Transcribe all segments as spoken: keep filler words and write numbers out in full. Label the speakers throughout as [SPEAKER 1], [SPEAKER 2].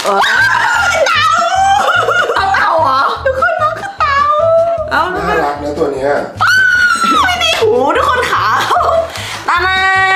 [SPEAKER 1] เต่าเอาเต่าเหรอทุกคนน้องคือเต่าเอาน่า
[SPEAKER 2] รักนะตัวเนี้ย
[SPEAKER 1] ไม่ได้หูทุกคนขาตานา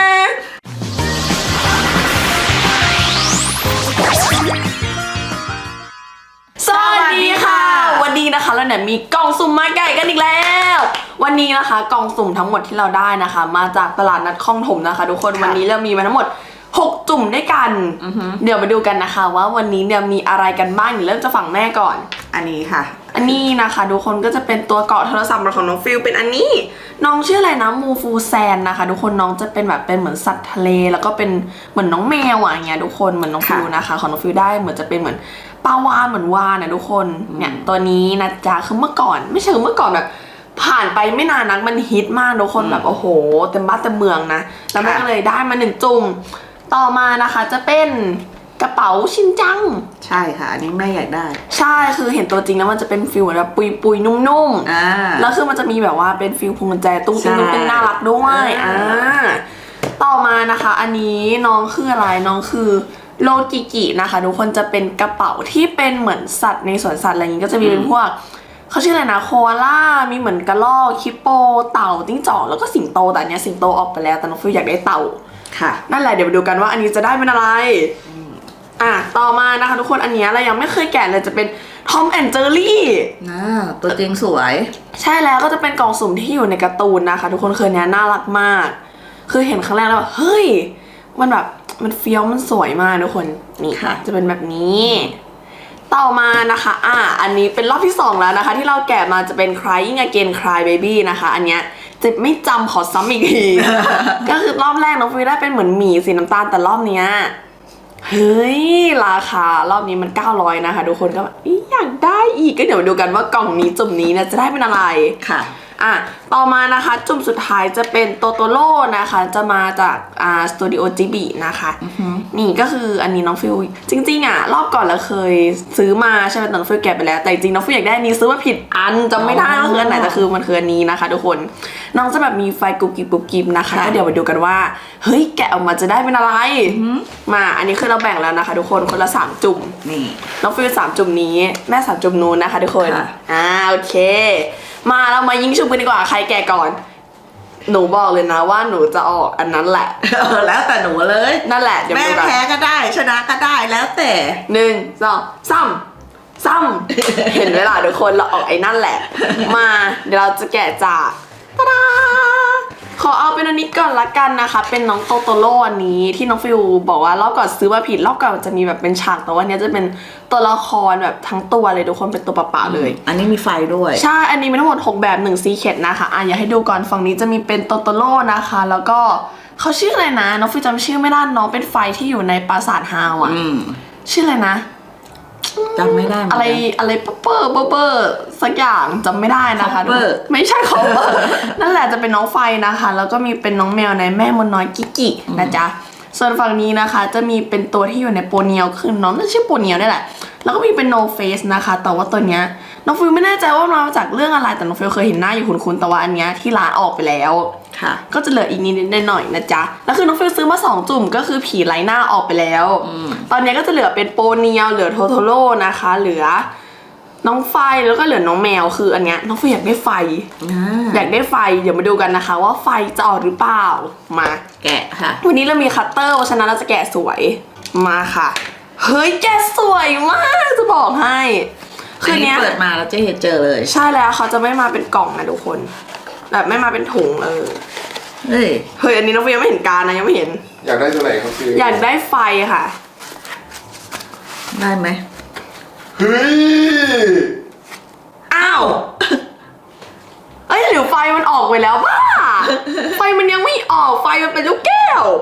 [SPEAKER 1] สวัสดีค่ะวันนี้นะคะเราเนี่ยมีกล่องสุ่มมาไก่กันอีกแล้ววันนี้นะคะกล่องสุ่มทั้งหมดที่เราได้นะคะมาจากตลาดนัดคลองถมนะคะทุกคนวันนี้เรามีมาทั้งหมดหกจุ่มด้วยกันเดี๋ยวมาดูกันนะคะว่าวันนี้เนี่ยมีอะไรกันบ้างเดี๋ยวเริ่มจากฝั่งแม่ก่อน
[SPEAKER 3] อันนี้ค่ะ
[SPEAKER 1] อันนี้นะคะทุกคนก็จะเป็นตัวเกาะโทรศัพท์ของน้องฟิลเป็นอันนี้น้องชื่ออะไรนะมูฟูแซนนะคะทุกคนน้องจะเป็นแบบเป็นเหมือนสัตว์ทะเลแล้วก็เป็นเหมือนน้องแมวอ่ะอย่างเงี้ยทุกคนเหมือนน้องฟิลนะคะของน้องฟิลได้เหมือนจะเป็นเหมือนปลาวาฬเหมือนวาฬนะทุกคนเนี่ยตัวนี้นะจ๊ะคือเมื่อก่อนไม่ใช่เมื่อก่อนแบบผ่านไปไม่นานนักมันฮิตมากทุกคนแบบโอ้โหเต็มบ้านเต็มเมืองนะแล้วแม่ก็เลยได้มาหนึ่งจุ่มต่อมานะคะจะเป็นกระเป๋าชินจัง
[SPEAKER 3] ใช่ค่ะอันนี้แม่อยากได้
[SPEAKER 1] ใช่คือเห็นตัวจริงแล้วมันจะเป็นฟิลแบบปุยปุยนุ่มๆอ่าแล้วคือมันจะมีแบบว่าเป็นฟิลพวงกุญแจตุ้งติ้งตุ้งติ้งน่ารักด้วยอ่าต่อมานะคะอันนี้น้องคืออะไรน้องคือโลกิกินะคะทุกคนจะเป็นกระเป๋าที่เป็นเหมือนสัตว์ในสวนสัตว์อะไรอย่างนี้ก็จะมีเป็นพวกเขาชื่ออะไรนะโคอาล่ามีเหมือนกระรอกคิปโปเต่าจิ้งจอกแล้วก็สิงโตแต่อันเนี้ยสิงโตออกไปแล้วแต่น้องฟิลอยากได้เต่า
[SPEAKER 3] ค่ะ
[SPEAKER 1] นั่นแหละเดี๋ยวมาดูกันว่าอันนี้จะได้เป็นอะไรอ่ะต่อมานะคะทุกคนอันนี้เรายังไม่เคยแกะเลยจะเป็นทอมแอนด์เจอรี่
[SPEAKER 3] นะตัวจริงสวย
[SPEAKER 1] ใช่แล้วก็จะเป็นกล่องสุ่มที่อยู่ในการ์ตูนนะคะทุกคนเคยเนี้ยน่ารักมากคือเห็นครั้งแรกแล้วแบบเฮ้ยมันแบบมันเฟี้ยวมันสวยมากทุกคนนี่ค่ะจะเป็นแบบนี้ต่อมานะคะอ่ะอันนี้เป็นรอบที่สองแล้วนะคะที่เราแกะมาจะเป็น Crying Again Cry Baby นะคะอันเนี้ยเจ็บไม่จำขอซ้ำอีกที ก็คือรอบแรกน้องฟิวได้เป็นเหมือนหมีสีน้ำตาลแต่รอบเนี้ยเฮ้ยราคารอบนี้มันเก้าร้อยนะคะทุกคนก็แบบอยากได้อีกก็เดี๋ยวดูกันว่ากล่องนี้จุ่มนี้นะจะได้เป็นอะไร
[SPEAKER 3] ค่ะ
[SPEAKER 1] อ่ะต่อมานะคะจุ่มสุดท้ายจะเป็นโตโตโร่นะคะจะมาจากอ่าสตูดิโอจิบินะคะนี่ก็คืออันนี้น้องฟิลจริงๆอ่ะรอบก่อนเราเคยซื้อมาใช่ไหมแต่น้องฟิลแกะไปแล้วแต่จริงน้องฟิลอยากได้อันนี้ซื้อมาผิดอันจำไม่ได้ว่าคืออันไหนแต่คือมันคืออันนี้นะคะทุกคนน้องจะแบบมีไฟกุบกิบกุบกิบนะคะก็เดี๋ยวมาดูกันว่าเฮ้ยแกะออกมาจะได้เป็นอะไรมาอันนี้คือเราแบ่งแล้วนะคะทุกคนคนละสามจุ่ม
[SPEAKER 3] นี่
[SPEAKER 1] น้องฟิลสามจุ่มนี้แม่สามจุ่มนู้นนะคะทุกคนอ่าโอเคมาเรามายิงชุบกันดีกว่าใครแก่ก่อนหนูบอกเลยนะว่าหนูจะออกอันนั้นแหละ
[SPEAKER 3] แล้วแต่หนูเลย
[SPEAKER 1] นั่นแหละ
[SPEAKER 3] แม่แพ้ก็ได้ชนะก็ได้แล้วแต่
[SPEAKER 1] หนึ่งสองซ้ำซ้ำเห็นเวลาทุกคนเราออกไอ้นั่นแหละมาเดี๋ยวเราจะแกะจากตาดาขอเอาเป็นอันนี้ก่อนละกันนะคะเป็นน้องโตโตโร่อันนี้ที่น้องฟิวบอกว่ารอบก่อนซื้อมาผิดรอบก่อนจะมีแบบเป็นฉากแต่ว่าเนี้ยจะเป็นตัวละครแบบทั้งตัวเลยทุกคนเป็นตัวเปล่าๆเลย
[SPEAKER 3] อันนี้มีไฟด้วย
[SPEAKER 1] ใช่อันนี้มีทั้งหมดหกแบบหนึ่งซีเคทนะคะอ่ะอยากให้ดูก่อนฝั่งนี้จะมีเป็นโตโตโร่นะคะแล้วก็เขาชื่ออะไรนะน้องฟิวจำชื่อไม่ได้น้องเป็นไฟที่อยู่ในปราสาทฮาวอ่ะชื่ออะไรนะ
[SPEAKER 3] จำไม่ได้
[SPEAKER 1] อะไรอะไรเปอร์เปอร์เปอร์สักอย่างจำไม่ได้นะคะไม่ใช่คอปเปอร์นั่นแหละจะเป็นน้องไฟนะคะแล้วก็มีเป็นน้องแมวในแม่มดน้อยกิกินะจ๊ะส่วนฝั่งนี้นะคะจะมีเป็นตัวที่อยู่ในโปเนียลคือน้องน่าชื่อโปเนียลนี่แหละแล้วก็มีเป็นโนเฟสนะคะแต่ว่าตัวเนี้ยน้องฟิลไม่แน่ใจว่ามาจากเรื่องอะไรแต่น้องฟิลเคยเห็นหน้าอยู่คุ้นๆแต่ว่าอันเนี้ยที่ร้านออกไปแล้ว
[SPEAKER 3] ค่ะ
[SPEAKER 1] ก็จะเหลืออีกนิดนิดหน่อยนะจ๊ะแล้วคือน้องฟิลซื้อมาสองจุ่มก็คือผีไร้หน้าออกไปแล้วตอนนี้ก็จะเหลือเป็นโปเนียลเหลือโทโทโร่นะคะเหลือน้องไฟแล้วก็เหลือน้องแมวคืออันเนี้ยน้องฟิลอยากได้ไฟอยากได้ไฟเดี๋ยวมาดูกันนะคะว่าไฟจะออกหรือเปล่ามา
[SPEAKER 3] แกะค่ะ
[SPEAKER 1] วันนี้เรามีคัตเตอร์เพราะฉะนั้นเราจะแกะสวยมาค่ะเฮ้ยแกะสวยมากจะบอกให้
[SPEAKER 3] คือเนี้ยเปิดมาแล้วจะเห็นเจอเลย
[SPEAKER 1] ใช่แล้วเขาจะไม่มาเป็นกล่องนะทุกคนแบบไม่มาเป็นถุงเออ
[SPEAKER 3] เฮ้ย
[SPEAKER 1] เฮ้ยอันนี้น้องฟิลยังไม่เห็นการนะยังไม่เห็น
[SPEAKER 2] อยากได้ตัวไหนครับพี่
[SPEAKER 1] อยากได้ไฟค่ะ
[SPEAKER 3] ได้ไหม
[SPEAKER 2] เฮ้ย
[SPEAKER 1] อ้าวเอ้ยหรือไฟมันออกไปแล้วบ้าไฟมันยังไม่ออกไฟมันเป็นลูกแก้ว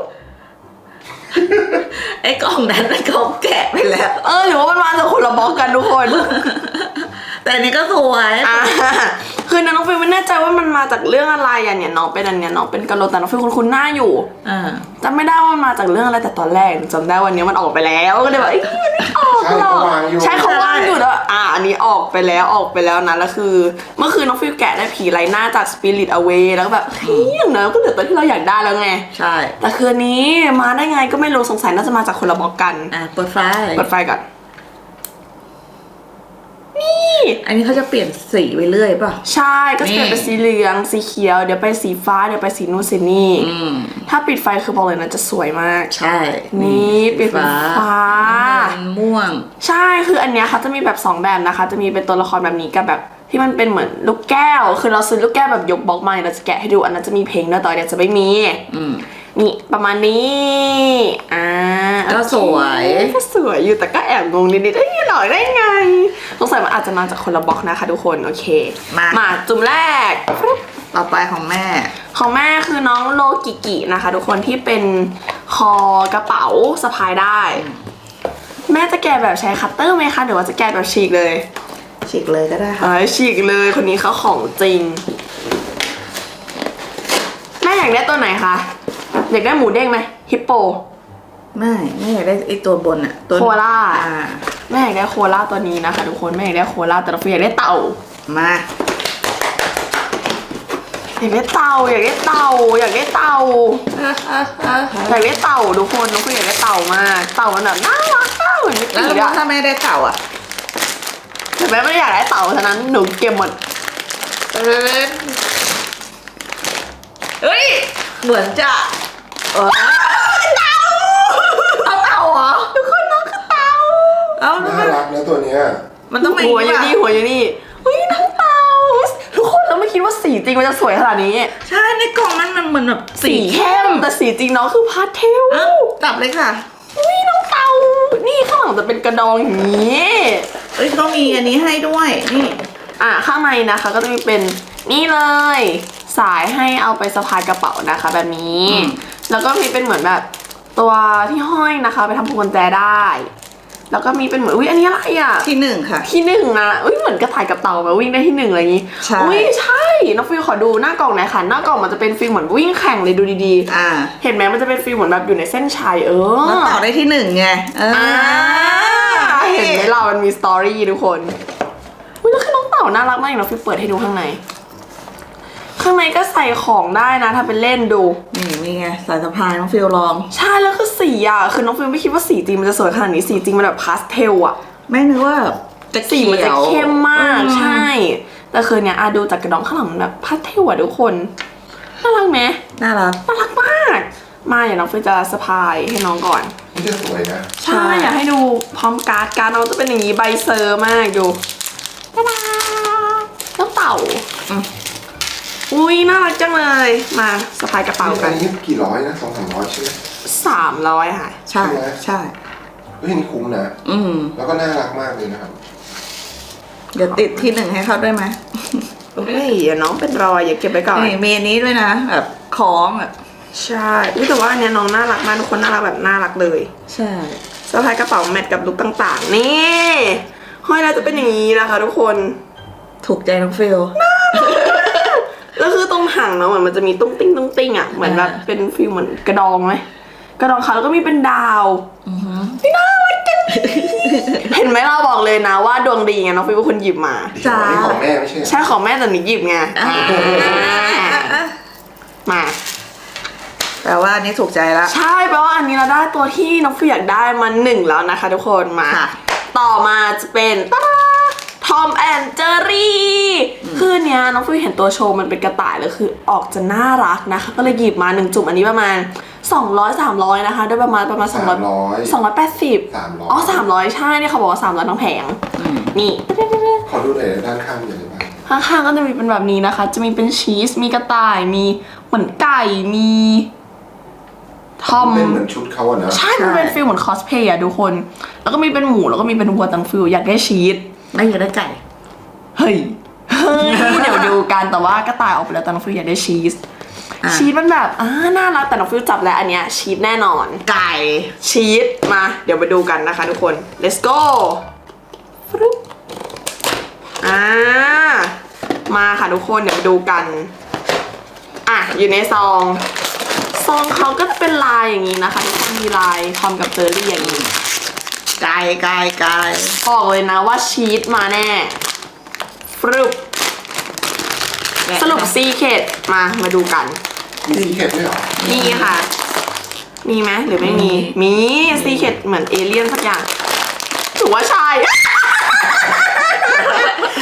[SPEAKER 3] ไอ้กล่องนั้นไอ้กล่องแกะไปแล้ว
[SPEAKER 1] เออหรือว่ามันมาจากคนละบล็อกกันทุกคน
[SPEAKER 3] แต่อันนี้ก็สวย
[SPEAKER 1] อ่าคือน้องฟิลไม่แน่ใจว่ามันมาจากเรื่องอะไรอ่ะเนี่ยน้องเป็นอันเนี้ยน้องเป็นกะโหลกแต่น้องฟิลคุ้นๆหน้าอยู่
[SPEAKER 3] อ่า
[SPEAKER 1] จำไม่ได้ว่ามันมาจากเรื่องอะไรแต่ตอนแรกจำได้วันนี้มันออกไปแล้วก็เลยแบบไอ้นี่มันไม่ออกหรอกใช่เขาว่างอยู่แล้วอ่าอันนี้ออกไปแล้วออกไปแล้วนะแล้วคือเมื่อคืนน้องฟิลแกะได้ผีไร้หน้าจาก Spirit Away แล้วก็แบบเฮ้ยอย่างนั้นก็เหลือตัวที่เราอยากได้แล้วไง
[SPEAKER 3] ใช่
[SPEAKER 1] แต่คืนนี้มาได้ไงก็ไม่รู้สงสัยน่าจะมาจากคนละบล็อกกัน
[SPEAKER 3] อ่ะเปิดไฟ
[SPEAKER 1] เปิดไฟก่อน
[SPEAKER 3] อันนี้เขาจะเปลี่ยนสีไปเรื่อยป่ะ
[SPEAKER 1] ใช่ก็จะเปลี่ยน
[SPEAKER 3] นี่
[SPEAKER 1] เป็นสีเหลืองสีเขียวเดี๋ยวไปสีฟ้าเดี๋ยวไปสีนู่นสีนี่
[SPEAKER 3] อืม
[SPEAKER 1] ถ้าปิดไฟคือบอกเลยนะจะสวยมาก
[SPEAKER 3] ใช่
[SPEAKER 1] นี่เปลี่ยนเป็นฟ้า
[SPEAKER 3] น้ำเงินม่วง
[SPEAKER 1] ใช่คืออันเนี้ยเขาจะมีแบบสองแบบนะคะ จะมีเป็นตัวละครแบบนี้กับแบบที่มันเป็นเหมือนลูกแก้ว คือเราซื้อลูกแก้วแบบยกบล็อกมาเราจะแกะให้ดูอันนั้นจะมีเพลงด้วยแต่อันเนี้ยจะไม่มี
[SPEAKER 3] อืม
[SPEAKER 1] นี่ประมาณนี้อ่า
[SPEAKER 3] ก็สวย
[SPEAKER 1] โอเคก็สวยอยู่แต่ก็แอบงงนิดๆเอ้ยหล่อได้ไงสงสัยมันอาจจะมาจากคนละบล็อกนะคะทุกคนโอเค
[SPEAKER 3] มา
[SPEAKER 1] มาจุ่มแรก
[SPEAKER 3] ต่อไปของแม่
[SPEAKER 1] ของแม่คือน้องโลกิกินะคะ ทุกคนที่เป็นคอกระเป๋าสะพายได้ แม่จะแกะแบบใช้คัตเตอร์ไหมคะหรือว่าจะแกะแบบฉีกเลย
[SPEAKER 3] ฉีกเลยก็ได้ค่ะ
[SPEAKER 1] เอ้ยฉีกเลยคนนี้เขาของจริง แม่อยากได้ตัวไหนคะอยากได้หมูเด้งไหมฮิปโป
[SPEAKER 3] ไม่ไม่อยากได้ไอตัวบนอะตัว
[SPEAKER 1] โคอาล่า
[SPEAKER 3] อ่า
[SPEAKER 1] แม่อยากได้โคอาล่าตัวนี้นะคะทุกคนแม่อยากได้โคอาล่าแต่เราอยากได้เต่า
[SPEAKER 3] มา
[SPEAKER 1] อยากได้เต่าอยากได้เต่าอยากได้เต่าอยากได้เต่าทุกคนน้องคืออยากได้เต่ามากเต่ามันแบบน่ารักมากเหมือนมิก
[SPEAKER 3] แล้ว
[SPEAKER 1] กี้อะ
[SPEAKER 3] ถ้าแม่ได้เต่าอะ
[SPEAKER 1] แต่แม่ไม่ได้อยากได้เต่าฉะนั้นหนูเก็บหมด
[SPEAKER 3] เฮ้ยเหมือนจะเออ
[SPEAKER 1] เต่าเอาเต่าเหรอทุกคนน้องคือเต่า
[SPEAKER 3] เอ้า
[SPEAKER 2] น่ารักนะตัวเนี้ย
[SPEAKER 3] มันต้องเป็น
[SPEAKER 1] หัวอยู่นี่หัวอยู่นี่เฮ้ยน้องเต่าทุกคนเราไม่คิดว่าสีจริงมันจะสวยขนาดนี้
[SPEAKER 3] ใช่ในกล่องมันมันเหมือนแบบ
[SPEAKER 1] สีเข้มแต่สีจริงน้องคือพาสเทล
[SPEAKER 3] เอ้าจับเลยค่ะ
[SPEAKER 1] อุ้ยน้องเต่านี่ข้างหลังจะเป็นกระดองอย่างนี้
[SPEAKER 3] เอ้ยเขามีอันนี้ให้ด้วยนี่
[SPEAKER 1] อ่ะข้างในนะคะก็จะมีเป็นนี่เลย สายให้เอาไปสะพายกระเป๋านะคะ แบบนี้ แล้วก็มีเป็นเหมือนแบบตัวที่ห้อยนะคะ ไปทำพวงกุญแจได้ แล้วก็มีเป็นเหมือนอุ้ยอันนี้อะไรอ่ะ
[SPEAKER 3] ที่หนึ่งค่ะ
[SPEAKER 1] ที่หนึ่งนะอุ้ยเหมือนกระต่ายกับเต่าแบบวิ่งได้ที่หนึ่งอะไรอย่างนี้
[SPEAKER 3] ใช่
[SPEAKER 1] อุ้ยใช่น้องฟิวขอดูหน้ากล่องหน่อยค่ะหน้ากล่องมันจะเป็นฟิลเหมือนวิ่งแข่งเลยดูดี
[SPEAKER 3] อ่า
[SPEAKER 1] ๆ เห็นไหมมันจะเป็นฟิลเหมือนแบบอยู่ในเส้นชัยเออ
[SPEAKER 3] แล้วต่อได้ที่หนึ่งไงเออ
[SPEAKER 1] อ่าเห็นไหมเรามันมีสตอรี่ทุกคนอุ้ยแล้วคือน้องเต่าน่ารักมากอย่างน้องฟิวเปิดให้ดูข้างใน ข้างในก็ใส่ของได้นะถ้าเป็นเล่นดู
[SPEAKER 3] นี่นี่ไงสายสะพายน้องฟิลลอง
[SPEAKER 1] ใช่แล้วคือสีอ่ะคือน้องฟิวไม่คิดว่าสีจริงมันจะสวยขนาดนี้สีจริงมันแบบพาสเทลอ่ะ
[SPEAKER 3] ไม่นึกว่าจะ
[SPEAKER 1] สีมันจะเข้มมาก
[SPEAKER 3] อื
[SPEAKER 1] ใช่ แต่คือเนี่ยอะดูจากกระดองข้างหลังมันแบบพาสเทลอ่ะทุกคนน่ารักไหม
[SPEAKER 3] น่ารัก
[SPEAKER 1] น่ารักมากมาอย่าน้องฟิวจะสะพายให้น้องก่อน
[SPEAKER 2] นี่จะสวยนะ
[SPEAKER 1] ใช่อยากให้ดูพร้อมการ์ดการ์ดน้องจะเป็นอย่างนี้ใบเซอร์มากดูตาดาน้องเต่า
[SPEAKER 3] อืม
[SPEAKER 1] อุ้ยน่ารักจังเลยมาสะพายกระเป๋า
[SPEAKER 2] อั
[SPEAKER 1] กัน
[SPEAKER 2] นนี้กี่ร้อยนะสองสามร้อยใช่ไหม
[SPEAKER 1] สามร้อยค่ะ
[SPEAKER 3] ใช่
[SPEAKER 2] ใช่ไหม
[SPEAKER 3] ใช่
[SPEAKER 2] เฮ้ยนี่คุ้มนะ
[SPEAKER 3] อืม
[SPEAKER 2] แล้วก็น่ารักมากเลยนะครับ
[SPEAKER 3] เดี๋ยวติดที่หนึ่งให้เขาด้วยไหม
[SPEAKER 1] เฮ้ยอย่าน้องเป็นรอยอย่าเก็บไว้ก่อน
[SPEAKER 3] นี่มีอันนี้ด้วยนะแบบคล้องอ่ะ
[SPEAKER 1] ใช่อุ๊ยแต่ว่าอันเนี้ยน้องน่ารักมากทุกคนน่ารักแบบน่ารักเลย
[SPEAKER 3] ใช่
[SPEAKER 1] สะพายกระเป๋าแมทกับลุคต่างๆ นี่ห้อยแล้วจะเป็นอย่างนี้นะคะ ทุกคน
[SPEAKER 3] ถูกใจน้องฟิล
[SPEAKER 1] แล้วคือตรงหางเนาะเหมือนมันจะมีตุ้งติ้งตุ้งติ้งอ่ะเหมือนแบบเป็นฟิลเหมือนกระดองไหมกระดองเขาแล้วก็มีเป็นดาวนี่น่ารักจัง เห็นไหมเราบอกเลยนะว่าดวงดีไงน้องฟิวเป็นคนหยิบมา
[SPEAKER 3] จ้า
[SPEAKER 2] อันนี้ของแม่ไม่ใช่เหรอ
[SPEAKER 1] ใช่ของแม่แต่หนูหยิบไงมา
[SPEAKER 3] แปลว่าอันนี้ถูกใจละ
[SPEAKER 1] ใช่แปลว่าอันนี้เราได้ตัวที่น้องฟิวอยากได้มาหนึ่งแล้วนะคะ ทุกคนมา
[SPEAKER 3] ค่ะ
[SPEAKER 1] ต่อมาจะเป็นตาทอมแอนเจอรี่คือเนี้ยน้องฟิวเห็นตัวโชว์มันเป็นกระต่ายแล้วคือออกจะน่ารักนะคะ ก็เลยหยิบมาหนึ่งจุ่มอันนี้ประมาณสองร้อย สามร้อยนะคะด้วยประมาณประมาณสองร้อย
[SPEAKER 2] ร้อย
[SPEAKER 1] สองร้อยแปดสิบ
[SPEAKER 2] สามร้อย
[SPEAKER 1] อ๋อสามร้อยใช่เนี่ยเขาบอกว่าสามร้อยทั้งแผงนี่
[SPEAKER 2] ขอดูหน่อยด้านข้างมีอะไรบ้าง
[SPEAKER 1] ข้างๆก็จะมีเป็นแบบนี้นะคะ จะมีเป็นชีสมีกระต่ายมีเหมือนไก่มีทอม
[SPEAKER 2] เป็นเหมือนชุดเขาอะนะ
[SPEAKER 1] ใช่มันเป็นฟิลเหมือนคอสเพย์อะทุกคน แล้วก็มีเป็นหมูแล้วก็มีเป็นวัวตังฟิลอยากได้ชีส
[SPEAKER 3] ไม่อยากได้ไก่
[SPEAKER 1] เฮ้ย เฮ้ย เดี๋ยวดูกัน แต่ว่ากระต่ายออกไปแล้วแต่น้องฟิวอยากได้ชีส
[SPEAKER 3] อ่ะ
[SPEAKER 1] ชีสมันแบบอ่าน่ารักแต่น้องฟิวจับแล้วอันเนี้ยชีสแน่นอน
[SPEAKER 3] ไก่
[SPEAKER 1] ชีส มา เดี๋ยวมาดูกันนะคะทุกคน let's go ฟรุ๊บอ่า มาค่ะทุกคนเดี๋ยวมาดูกัน อ่ะ อยู่ในซอง ซองเขาก็จะเป็นลายอย่างนี้นะคะทุกคนมีลายทอมกับเจอรี่อย่างนี้
[SPEAKER 3] ไก่ไก่ไก่
[SPEAKER 1] บอกเลยนะว่าชีสมาแน่ฟรุบสรุปซีเคดมา มาดูกัน
[SPEAKER 2] มีซีเคร็ตด้วยเหรอ
[SPEAKER 1] มีค่ะ มีไหมหรือไม่มี มีซีเคดเหมือนเอเลี่ยนสักอย่างถือว่าใช่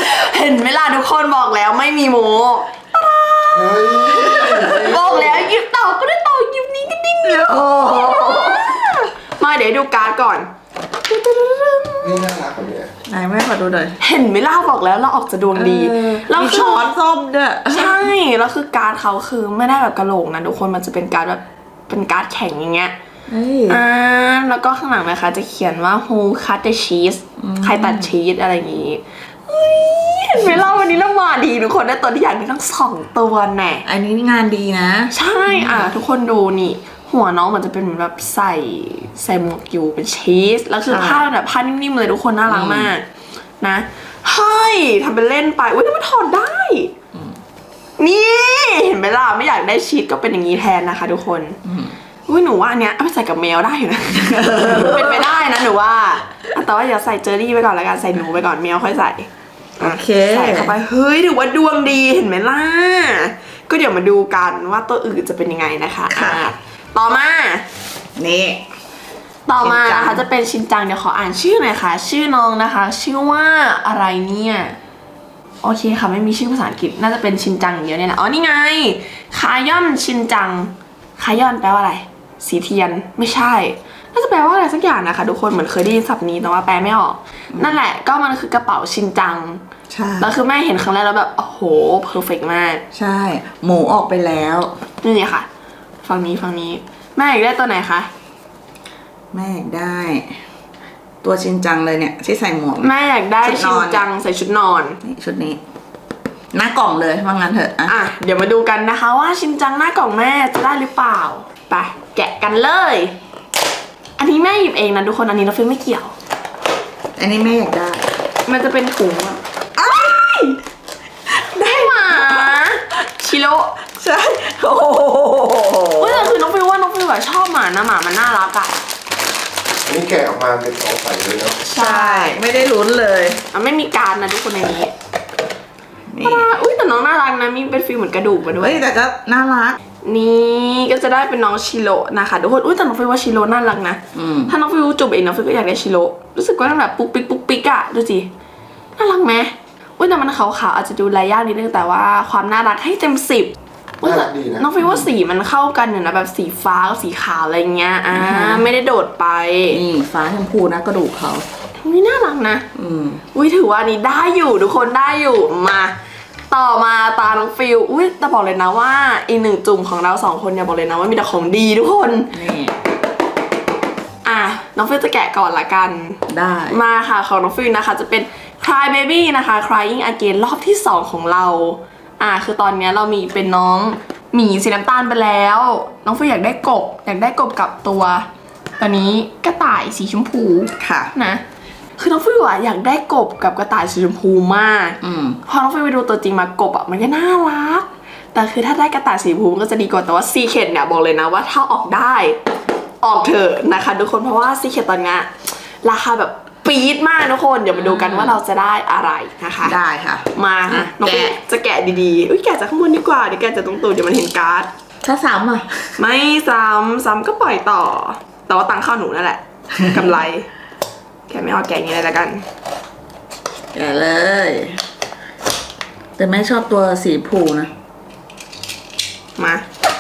[SPEAKER 1] ห็นไหมล่ะทุกคนบอกแล้วไม่มีโม
[SPEAKER 2] เฮ้ย
[SPEAKER 1] บอกแล้วหยิบต่อก็ได้ต่อหยิบนี้ก็ดิ้ง
[SPEAKER 3] โอ้โห
[SPEAKER 1] มาเดี๋ยวดูการ์ดก่อน
[SPEAKER 2] นี่น่ารักกว่านี้
[SPEAKER 3] ไหนแม่ขอดูหน่อย
[SPEAKER 1] เห็นไหมล่ะบอกแล้วเราออกจะดวงดี
[SPEAKER 3] เออ
[SPEAKER 1] แล้ว
[SPEAKER 3] มี
[SPEAKER 1] คือ
[SPEAKER 3] ช้อนส้มด้วย
[SPEAKER 1] ใช่แล้วคือการ์ดเขาคือไม่ได้แบบกระโหลกนะทุกคนมันจะเป็นการ์ดแบบเป็นการ์ดแข็งอย่างเงี้ย
[SPEAKER 3] เฮ้ย
[SPEAKER 1] อ่าแล้วก็ข้างหลังนะคะจะเขียนว่า who cut the cheese ใครตัดชีสอะไรอย่างงี้เฮ้ยเห็นไหมล่ะวันนี้เรามาดีทุกคนได้ตัวที่อยากได้ทั้งสองตัวแน่
[SPEAKER 3] อันนี้งานดีนะ
[SPEAKER 1] ใช่อ่ะทุกคนดูนี่ หัวน้องมันจะเป็นเหมือนแบบใส่ใส่หมวกอยู่เป็นชีสแล้วคือ
[SPEAKER 3] ใช่
[SPEAKER 1] ผ้าแบบผ้านิ่มๆเลยทุกคนน่ารักมากนะเฮ้ยทำเป็นเล่นไปอุ้ยนี่มันถอดได้ นี่เห็นไหมล่ะไม่อยากได้ชีสก็เป็นอย่างนี้แทนนะคะ ทุกคน
[SPEAKER 3] อืม
[SPEAKER 1] อุ้ยหนูว่าอันเนี้ยเอาไปใส่กับแมวได้อยู่นะ เป็นไปได้นะหนูว่าอ่ะแต่ว่าอย่าใส่เจอรี่ไปก่อนละกันใส่หนูไปก่อนแมวค่อยใส่
[SPEAKER 3] โอเค
[SPEAKER 1] ใส่เข้าไปเฮ้ยถือว่าดวงดีเห็นไหมล่ะก็เดี๋ยวมาดูกันว่าตัวอื่นจะเป็นยังไงนะคะ
[SPEAKER 3] ค่ะ
[SPEAKER 1] อ่ะต่อมา
[SPEAKER 3] นี่
[SPEAKER 1] ต่อมา
[SPEAKER 3] ชินจัง
[SPEAKER 1] นะคะจะเป็นชินจังเดี๋ยวขออ่านชื่อหน่อยค่ะ ชื่อน้องนะคะ ชื่อว่าอะไรเนี่ยโอเคค่ะไม่มีชื่อภาษาอังกฤษน่าจะเป็นชินจังอย่างเดียวเนี่ยแหละอ๋อนี่ไงคายอนชินจังคายอนแปลว่าอะไรสีเทียนไม่ใช่น่าจะแปลว่าอะไรสักอย่างนะคะทุกคนเหมือนเคยได้ยินศัพท์นี้แต่ว่าแปลไม่ออก นั่นแหละก็มันคือกระเป๋าชินจัง
[SPEAKER 3] ใช่
[SPEAKER 1] แล้วคือแม่เห็นครั้งแรกแล้วแบบโอ้โหเพอร์เฟกต์มาก
[SPEAKER 3] ใช่ หมูออกไปแล้ว
[SPEAKER 1] นี่ค่ะฝั่งนี้ฝั่งนี้แม่อยากได้ตัวไหนคะ
[SPEAKER 3] แม่อยากได้ ตัวชินจังเลยเนี่ยที่ใส่หมวก
[SPEAKER 1] แม่อยากได้
[SPEAKER 3] ชุดน
[SPEAKER 1] ชิ
[SPEAKER 3] อน น
[SPEAKER 1] จังใส่ชุดนอน
[SPEAKER 3] นี่ชุดนี้ หน้ากล่องเลยว่างั้นเถอะอ่ะ
[SPEAKER 1] อ่ะเดี๋ยวมาดูกันนะคะว่าชินจังหน้ากล่องแม่จะได้หรือเปล่าไปแกะกันเลย อันนี้แม่หยิบเองนะทุกคนอันนี้เราฟิลไม่เกี่ยว
[SPEAKER 3] อันนี้แม่อยากได้
[SPEAKER 1] มันจะเป็นถุงอะอ้ายได้หมาชิโร่
[SPEAKER 3] ใช่โอ้โห
[SPEAKER 1] เฮ้ยแต่คือน้องฟิลว่าน้องฟิลแบบชอบหมานะหมามันน่ารักอะ
[SPEAKER 2] อันนี้แกะออกมาเป็นของใสเลยเนาะ
[SPEAKER 3] ใช่ ไม่ได้ลุ้นเลย
[SPEAKER 1] อ่ะไม่มีการนะทุกคนในนี้
[SPEAKER 3] นี่
[SPEAKER 1] น่ารักอุ้ยแต่น้องน่ารักนะมีเป็นฟิลเหมือนกระดูกมาด้ว
[SPEAKER 3] เฮ้
[SPEAKER 1] ย
[SPEAKER 3] ยแต่ก็น่ารัก
[SPEAKER 1] นี่ก็จะได้เป็นน้องชิโร่นะคะทุกคนอุ้ยแต่น้องฟิลว่าชิโร่น่ารักนะ
[SPEAKER 3] อืม
[SPEAKER 1] ถ้าน้องฟิวจูบเองน้องฟิวก็อยากได้ชิโร่รู้สึกว่ามันแบบปุ๊กปิ๊กปุ๊กปิ๊กอะดูสิน่ารักไหมอุ้ยแต่มันขาวๆอาจจะดูลายยากนิดนึงแต่ว่าความน่ารักให้เต็มสิบ
[SPEAKER 2] น่ารักดีนะ
[SPEAKER 1] น้องฟิวว่าสีมันเข้ากันอยู่นะแบบสีฟ้ากับสีขาวอะไรเงี้ยอ่า
[SPEAKER 3] อือฮะ
[SPEAKER 1] ไม่ได้โดดไป
[SPEAKER 3] นี่ฟ้าชมพูนะกระดูกเขา
[SPEAKER 1] นี่น่ารักนะ
[SPEAKER 3] อืม
[SPEAKER 1] อุ้ยถือว่าอันนี้ได้อยู่ทุกคนได้อยู่มาต่อมาตาน้องฟิวอุ้ยแต่บอกเลยนะว่าอีกหนึ่งจุ่มของเราสองคนอย่าบอกเลยนะว่ามีแต่ของดีทุกคน
[SPEAKER 3] นี่
[SPEAKER 1] อ่ะน้องฟิวจะแกะก่อนละกัน
[SPEAKER 3] ได้
[SPEAKER 1] มาค่ะของน้องฟิลนะคะจะเป็น Cry Baby นะคะ Crying Again รอบที่สองของเราอ่าคือตอนเนี้ยเรามีเป็นน้องหมีสีน้ำตาลไปแล้ว น้องฟิลอยากได้กบอยากได้กบกับตัวตอนนี้กระต่ายสีชมพู
[SPEAKER 3] ค่ะ
[SPEAKER 1] นะคือน้องฟิลอะอยากได้กบกับกระต่ายสีชมพูมาก
[SPEAKER 3] อืม
[SPEAKER 1] พอน้องฟิลไปดูตัวจริงมากบอะมันก็น่ารักแต่คือถ้าได้กระต่ายสีชมพูมันก็จะดีกว่าแต่ว่าซีเคทเนี่ยบอกเลยนะว่าถ้าออกได้ออกเถอะนะคะทุกคนเพราะว่าซีเคทตอนเนี้ยราคาแบบปี๊ดมากทุกคนเดี๋ยวมาดูกันว่าเราจะได้อะไรนะคะ
[SPEAKER 3] ได้ค่ะ
[SPEAKER 1] มา
[SPEAKER 3] อ่ะ
[SPEAKER 1] น้องฟิล
[SPEAKER 3] แกะ
[SPEAKER 1] จะแกะดีๆอุ้ยแกะจากข้างบนดีกว่าเดี๋ยวแกะจากตรงตูดเดี๋ยวมันเห็นการ์ด
[SPEAKER 3] ถ้าซ้ำอ่ะ
[SPEAKER 1] ไม่ซ้ำซ้ำก็ปล่อยต่อ แต่ว่าตังค์เข้าหนูนั่นแหละ กำไร แกะไม่เอาแกะอย่างนี้เลยละกัน
[SPEAKER 3] แกะเลย แต่แม่ชอบตัวสีชมพูนะ
[SPEAKER 1] มา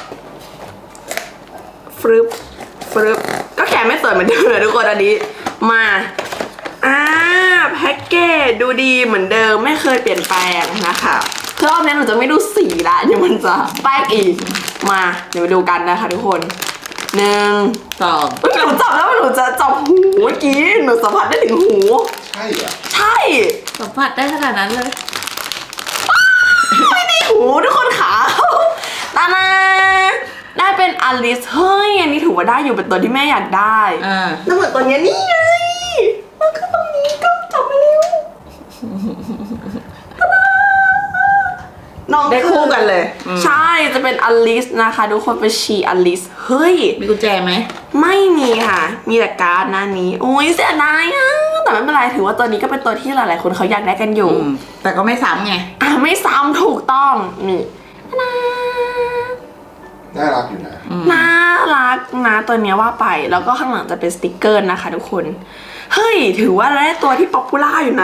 [SPEAKER 1] ฟรึบฟรึบก็แกะไม่สวยเหมือนเดิมเลยทุกคนอันนี้ มาอ่าแพ็กเกจดูดีเหมือนเดิมไม่เคยเปลี่ยนแปลงนะคะคือรอบนี้หนูจะไม่ดูสีละเดี๋ยวมันจะแป๊กอีก มาเดี๋ยวมาดูกันนะคะทุกคนหนึ่ง
[SPEAKER 3] สอง
[SPEAKER 1] เฮ้ยหนูจับแล้วหนูจะจับหูเมื่อกี้หนูสัมผัสได้ถึงหู
[SPEAKER 2] ใช่เหรอ
[SPEAKER 1] ใช่
[SPEAKER 3] สัมผัสได้ขนาดนั้นเลย
[SPEAKER 1] ไม่ได้หูทุกคนขาตานาได้เป็นอลิสเฮ้ยอันนี้ถือว่าได้อยู่เป็นตัวที่แม่อยากได้
[SPEAKER 3] อ่า
[SPEAKER 1] แล้วเหมือนตัวเนี้ยนี่ไงมันคือตรงนี้ก็จับมาเร็วตานาน้อง
[SPEAKER 3] ได้คู่กันเลยอืม
[SPEAKER 1] ใช่จะเป็นอลิสนะคะทุกคนเป็นชีอลิสเฮ้ย
[SPEAKER 3] มีกุญแจไหม
[SPEAKER 1] ไม่มีค่ะ มีแต่การ์ดหน้านี้โอ้ยเสียดายอ่ะแต่ไม่เป็นไรถือว่าตัวนี้ก็เป็นตัวที่หลายๆคนเขาอยากได้กันอยู่
[SPEAKER 3] อืม แต่ก็ไม่ซ้ำไง
[SPEAKER 1] อ่ะไม่ซ้ำถูกต้องนี่นะ
[SPEAKER 2] น่ารักอยู่นะ
[SPEAKER 1] น่ารักนะตัวเนี้ยว่าไปแล้วก็ข้างหลังจะเป็นสติกเกอร์นะคะทุกคนเฮ้ยถือว่าเราได้ตัวที่ป๊อปปูล่าอยู่นะ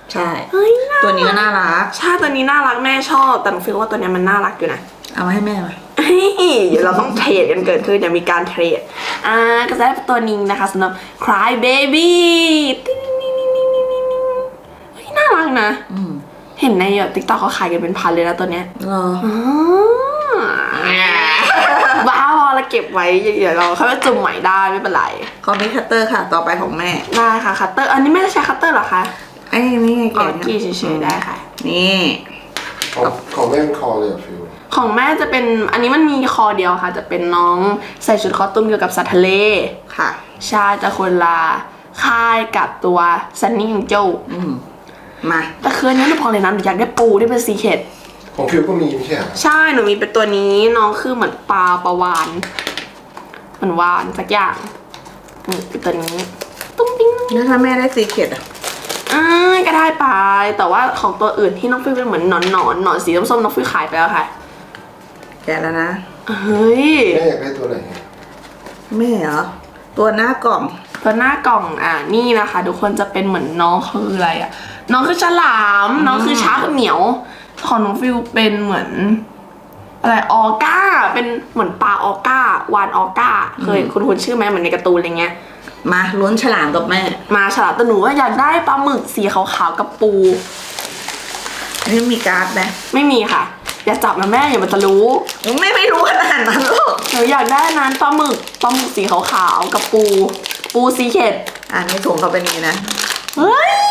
[SPEAKER 3] ใช่
[SPEAKER 1] เฮ้ยน่า
[SPEAKER 3] ตัวนี้ก็น่ารัก
[SPEAKER 1] ใช่ตัวนี้น่ารักแม่ชอบ แต่หนูฟีลว่าตัวเนี้ยมันน่ารักอยู่นะ
[SPEAKER 3] เอามาให้แม่มา
[SPEAKER 1] เฮ้ยเดี๋ยวเราต้องเทรดกันเกิดขึ้นเดี๋ยวมีการเทรดอ่าก็จะได้ตัวนี้นะคะสำหรับ Cry Baby ติ๊งติ๊งติ๊งติ๊งติ๊งติ๊งติ๊งเฮ้ยน่ารักนะ
[SPEAKER 3] อืม
[SPEAKER 1] เห็นในติ๊กต็อกเขาขายกันเป็นพันเลยนะตัวเนี้ย
[SPEAKER 3] รอ
[SPEAKER 1] อ๋อบ้าพอเราเก็บไว้เดี๋ยวเราเขาจะจุ่มใหม่ได้ไม่เป็นไร
[SPEAKER 3] คอมพิวเตอร์ค่ะ ต่อไปของแม่
[SPEAKER 1] ได้ค่ะคัตเตอร์อันนี้ไม่ได้ใช้คัตเตอร์เหรอคะ
[SPEAKER 3] ไอ้นี่ไง
[SPEAKER 1] อ๋อ
[SPEAKER 3] แกะ
[SPEAKER 1] กี้เฉยๆได้ค่ะ
[SPEAKER 3] นี่
[SPEAKER 2] ของของแม่เป็นคอเลยเหรอฟิว
[SPEAKER 1] ของแม่จะเป็นอันนี้มันมีคอเดียวค่ะ จะเป็นน้องใส่ชุดคอสตูมเกี่ยวกับสัตว์ทะเล
[SPEAKER 3] ค่ะ
[SPEAKER 1] ชาจะคนละค่ายกับตัวซันนี่ของโจ
[SPEAKER 3] อืมมา
[SPEAKER 1] แต่คืนนี้หนูพอเลยนะหนูอยากได้ปูที่เป็นซีเคท
[SPEAKER 2] ของฟิวก็มีไม่ใช่เหรอ
[SPEAKER 1] ใช่หนูมีเป็นตัวนี้น้องคือเหมือนปลาปลาวานเหมือนวานสักอย่างนี่เป็นตัวนี้ตุ้งติ้ง
[SPEAKER 3] แล้วถ้าแม่ได้ซีเคร็ตอ่ะ
[SPEAKER 1] อ่าก็ได้ไปแต่ว่าของตัวอื่นที่น้องฟิวเป็นเหมือนหนอนหนอนหนอนสีส้มๆน้องฟิวขายไปแล้วค่ะ
[SPEAKER 3] แกะแล้วนะ
[SPEAKER 1] เฮ้ย
[SPEAKER 2] แม่อยากได้ตัวไหน
[SPEAKER 3] แม่เหรอ ตัวหน้ากล่อง
[SPEAKER 1] ตัวหน้ากล่องอ่ะนี่นะคะทุกคนจะเป็นเหมือนน้องคืออะไรอ่ะน้องคือฉลามน้องคือช้างเหมียวของน้องฟิวเป็นเหมือนอะไรออก้าเป็นเหมือนปลาออก้าวานออก้าเคยคุณคุณชื่อไหมเหมือนในการ์ตูนอะไรเงี้ย
[SPEAKER 3] มาลุ้นฉลามกับแม่
[SPEAKER 1] มาฉลามแต่หนูว่าอยากได้ปลาหมึกสีขาวๆกับปู
[SPEAKER 3] อันนี้มีการ์ดไหม
[SPEAKER 1] ไม่มีค่ะ อย่าจับนะแม่อย่ามันจะรู้
[SPEAKER 3] ไม่ไม่รู้ขนาดนั้นหรอก
[SPEAKER 1] หนูอยากได้นั้นปลาหมึกปลาหมึกสีขาวๆกับปู ปูซีเคท
[SPEAKER 3] อ่านในถุงเขาเป็นอย่างนี้นะ
[SPEAKER 1] เฮ้ย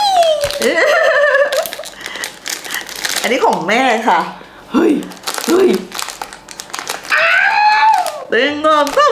[SPEAKER 3] อันนี้ของแม่ค่ะ
[SPEAKER 1] เฮ้ยเฮ้ย
[SPEAKER 3] ตึงงงปุ๊บ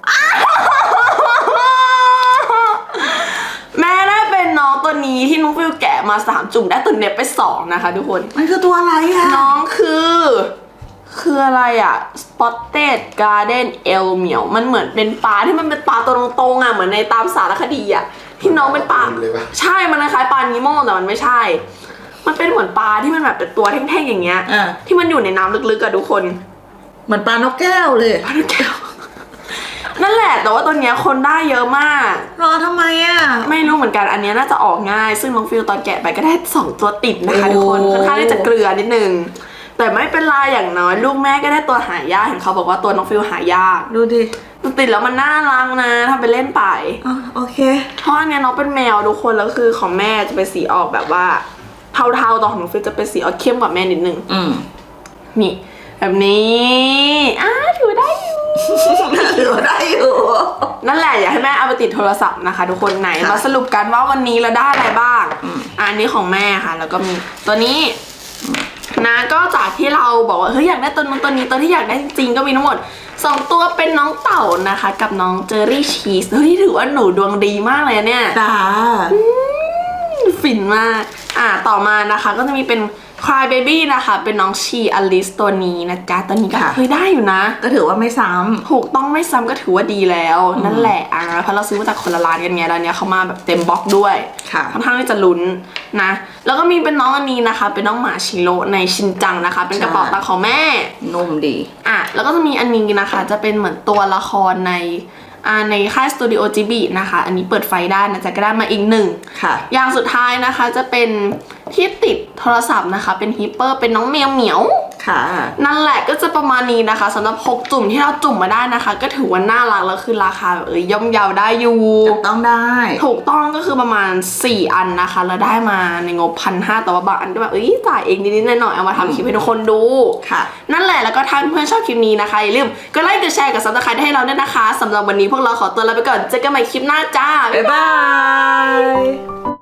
[SPEAKER 1] แม่ได้เป็นน้องตัวนี้ที่น้องฟิวแกะมาสามจุ่มได้ตัวเน็บไปสองนะคะทุกคน
[SPEAKER 3] มันคือตัวอะไรอะ
[SPEAKER 1] น้องคือ คืออะไรอะ Spotted Garden Eel เหมียวมันเหมือนเป็นปลาที่มันเป็นปลาตัวตรงๆอะเหมือนในตามสารคดีอะที่น้องเป็นปลา
[SPEAKER 2] เลยปะ
[SPEAKER 1] ใช่มันคล้ายๆปลานิโมแต่มันไม่ใช่ มันเป็นเหมือนปลาที่มันแบบเป็นตัวแท่งๆอย่างเงี้ย
[SPEAKER 3] อ่ะ
[SPEAKER 1] ที่มันอยู่ในน้ำลึกๆอะทุกคน
[SPEAKER 3] เหมือนปลานกแก้วเลย
[SPEAKER 1] ปลาลูกแก้ว นั่นแหละแต่ว่าตัวเนี้ยคนได้เยอะมาก
[SPEAKER 3] รอทำไมอะ
[SPEAKER 1] ไม่รู้เหมือนกันอันเนี้ยน่าจะออกง่าย ซึ่งน้องฟิลตอนแกะไปก็ได้สองตัวติดนะคะ
[SPEAKER 3] โอ้
[SPEAKER 1] ทุกคนค่อนข้างที่จะเกลือนิดนึงแต่ไม่เป็นไรอย่างน้อยลูกแม่ก็ได้ตัวหายากเห็นเขาบอกว่าตัวน้องฟิลหายาก
[SPEAKER 3] ดูดิ
[SPEAKER 1] มันติดแล้วมันน่ารักนะทำไปเล่นไป
[SPEAKER 3] อ๋อโอเค
[SPEAKER 1] เพราะอันเนี้ยน้องเป็นแมวทุกคนแล้วคือของแม่จะเป็นสีออกแบบว่าเทาๆแตอนของน้องฟิลจะเป็นสีออกเข้มกว่าแม่นิดนึง
[SPEAKER 3] อืม
[SPEAKER 1] นี่แบบนี้อ้าถือได้อยู่
[SPEAKER 3] ถือว่าได้อยู่
[SPEAKER 1] นั่นแหละอยากให้แม่เอาไปติดโทรศัพท์นะคะทุกคนไหน
[SPEAKER 3] ค่ะ
[SPEAKER 1] มาสรุปกันว่าวันนี้เราได้อะไรบ้าง
[SPEAKER 3] อืม
[SPEAKER 1] อันนี้ของแม่ค่ะ แล้วก็มีตัวนี้นะก็จากที่เราบอกว่าเฮ้ยอยากได้ตัวนู้นตัวนี้ตัวที่อยากได้จริงๆก็มีทั้งหมดสองตัวเป็นน้องเต่านะคะ กับน้องเจอรี่ชีสเฮ้ยถือว่าหนูดวงดีมากเลยอะเนี่ย
[SPEAKER 3] ตา
[SPEAKER 1] ฟินมากอ่าต่อมานะคะก็จะมีเป็น Cry Baby นะคะ เป็นน้องชีอลิสตัวนี้นะจ๊ะตัวนี้ก็เคยได้อยู่นะ
[SPEAKER 3] ก็ถือว่าไม่ซ้
[SPEAKER 1] ถูกต้องไม่ซ้ำก็ถือว่าดีแล้ว นั่นแหละอ่ะเพราะเราซื้อมาจากคนละร้านกันไงแล้วเนี้ยเขามาแบบเต็มบล็อกด้วย
[SPEAKER 3] ำค่ะ
[SPEAKER 1] ค่อนข้างที่จะลุ้นนะ แล้วก็มีเป็นน้องอันนี้นะคะ เป็นน้องหมาชิโร่ในชินจังนะคะ เป็นกระเป๋าตังค์ของแม่
[SPEAKER 3] นุ่มดี
[SPEAKER 1] อ่ะแล้วก็จะมีอันนี้นะคะ จะเป็นเหมือนตัวละครในอ่าในค่ายสตูดิโอจิบินะคะ อันนี้เปิดไฟได้นะจ๊ะก็ได้มาอีกหนึ่ง
[SPEAKER 3] ค่ะ
[SPEAKER 1] อย่างสุดท้ายนะคะจะเป็นที่ติดโทรศัพท์นะคะ เป็นฮิปเปอร์เป็นน้องแมวเหมียว
[SPEAKER 3] ค่ะ
[SPEAKER 1] นั่นแหละก็จะประมาณนี้นะคะสำหรับหกจุ่มที่เราจุ่มมาได้นะคะ ก็ถือว่าน่ารักแล้วคือราคาแบบเอ้ยย่อมเยาได้อยู่
[SPEAKER 3] จับต้องได้
[SPEAKER 1] ถูกต้องก็คือประมาณสี่อันนะคะแล้วได้มาในงบพันห้าแต่ว่าบางอันก็แบบเอ้ยจ่ายเองนิดๆหน่อยๆเอามาทำคลิปให้ทุกคนดู
[SPEAKER 3] ค่ะ
[SPEAKER 1] นั่นแหละแล้วก็ถ้าเพื่อนชอบคลิปนี้นะคะอย่าลืมกดไลค์กดแชร์กับซับสไครต์ให้เราด้วยนะคะสำหรับวันนี้พวกเราขอตัวลาไปก่อนเจอกันใหม่คลิปหน้าจ้า
[SPEAKER 3] บ๊ายบาย